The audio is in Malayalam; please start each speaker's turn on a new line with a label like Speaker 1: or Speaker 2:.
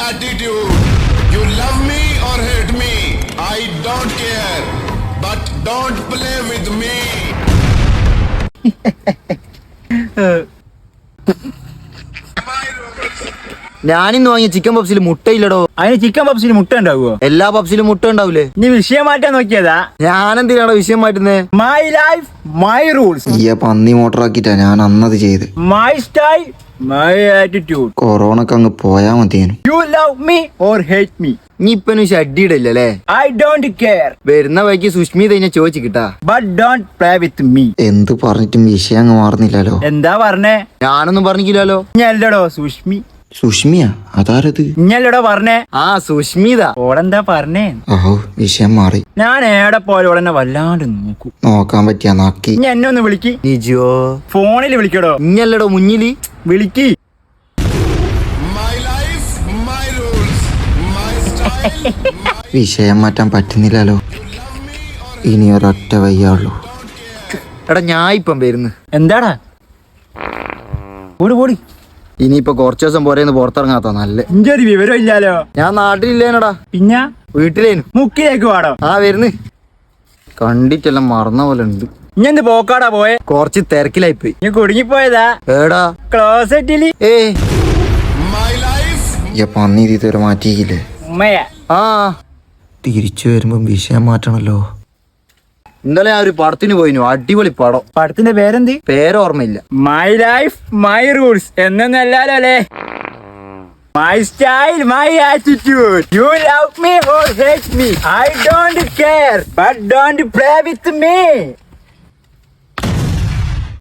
Speaker 1: attitude. You love me or hate me, I don't care. But don't play with me.
Speaker 2: ഞാനിന്ന് വാങ്ങിയ ചിക്കൻ പപ്സിൽ മുട്ടയില്ലടോ.
Speaker 3: അതിന് ചിക്കൻ പപ്സിന് മുട്ട ഉണ്ടാവുമോ?
Speaker 2: എല്ലാ പപ്സിലും മുട്ട ഉണ്ടാവൂലേ?
Speaker 3: നീ വിഷയം മാറ്റാൻ നോക്കിയതാ?
Speaker 2: ഞാനെന്തിനാണോ വിഷയം മാറ്റുന്നേ?
Speaker 3: My life my rules.
Speaker 2: ഈ പന്നി മോട്ടറാക്കിട്ടാ ഞാൻ അന്നത് ചെയ്ത്.
Speaker 3: My style my attitude.
Speaker 2: കൊറോണക്ക് അങ്ങ് പോയാ മതിയേനു.
Speaker 3: You love me or hate me.
Speaker 2: നീ ഇപ്പനും ഷഡ്ഡിയിടല്ലേ?
Speaker 3: I don't care.
Speaker 2: വരുന്ന വഴിക്ക് സുഷ്മിത ഇതിനെ ചോദിച്ചിട്ടാ.
Speaker 3: But don't play with me.
Speaker 2: എന്ത് പറഞ്ഞിട്ടും വിഷയം അങ്ങ് മാറുന്നില്ലല്ലോ.
Speaker 3: എന്താ പറഞ്ഞേ?
Speaker 2: ഞാനൊന്നും പറഞ്ഞില്ലല്ലോ.
Speaker 3: ഞല്ലടോ സുഷ്മി.
Speaker 2: സുഷ്മിയാ? അതാരത്?
Speaker 3: ഞല്ലടോ പറഞ്ഞേ.
Speaker 2: ആ സുഷ്മിത.
Speaker 3: ഓളെന്താ പറഞ്ഞേ?
Speaker 2: ഓഹോ വിഷയം മാറി.
Speaker 3: ഞാൻ ഏടെ പോലെ ഓളെന്നെ വല്ലാണ്ട് നോക്കൂ.
Speaker 2: നോക്കാൻ പറ്റിയാ നോക്കി.
Speaker 3: ഇനി എന്നെ ഒന്ന് വിളിക്ക്.
Speaker 2: നിജോ?
Speaker 3: ഫോണിൽ വിളിക്കടോ.
Speaker 2: ഇഞ്ഞല്ലടോ മുന്നില്
Speaker 3: വിളിക്ക്.
Speaker 1: My life, my rules, my style, my...
Speaker 2: വിഷയം മാറ്റാൻ പറ്റുന്നില്ലല്ലോ. ഇനി ഒരൊറ്റ വയ്യുള്ളൂ. എടാ ഞാൻ ഇപ്പം വരുന്നു.
Speaker 3: എന്താടാ? ഓടി ഓടി.
Speaker 2: ഇനിയിപ്പൊ കുറച്ചു ദിവസം പോരേന്ന് പുറത്തിറങ്ങാത്ത നല്ല.
Speaker 3: ഇന്റെ ഒരു വിവരം ഇല്ലാലോ.
Speaker 2: ഞാൻ നാട്ടിലില്ലേനടാ.
Speaker 3: പിന്നെ
Speaker 2: വീട്ടിലേനു.
Speaker 3: മുക്കിലേക്ക് പാടോ?
Speaker 2: ആ വരുന്ന്. കണ്ടിട്ടെല്ലാം മറന്ന പോലെ ഉണ്ട്.
Speaker 3: ഇനി എന്ത് പോക്കാടാ പോയെ?
Speaker 2: കുറച്ച് തിരക്കിലായിപ്പോയി.
Speaker 3: നീ കുടുങ്ങിപ്പോയതാ?
Speaker 2: ഏടാ?
Speaker 3: ക്ലോസറ്റില്.
Speaker 1: My life.
Speaker 2: പന്നി ഇതുവരെ മാറ്റിയില്ലേ?
Speaker 3: ഉമ്മയാ.
Speaker 2: ആ തിരിച്ചു വരുമ്പോ വിഷയം മാറ്റണല്ലോ. ഇന്നലെ ഞാൻ ഒരു പടത്തിന് പോയിനു. അടിപൊളി പടം.
Speaker 3: പടത്തിന്റെ പേരെന്ത്?
Speaker 2: പേരോർമ്മയില്ല.
Speaker 3: മൈ ലൈഫ് മൈ റൂൾസ് എന്നൊന്നല്ലാലോ അല്ലേ? My style my attitude. You love me or hate me, I don't care. But don't play with me.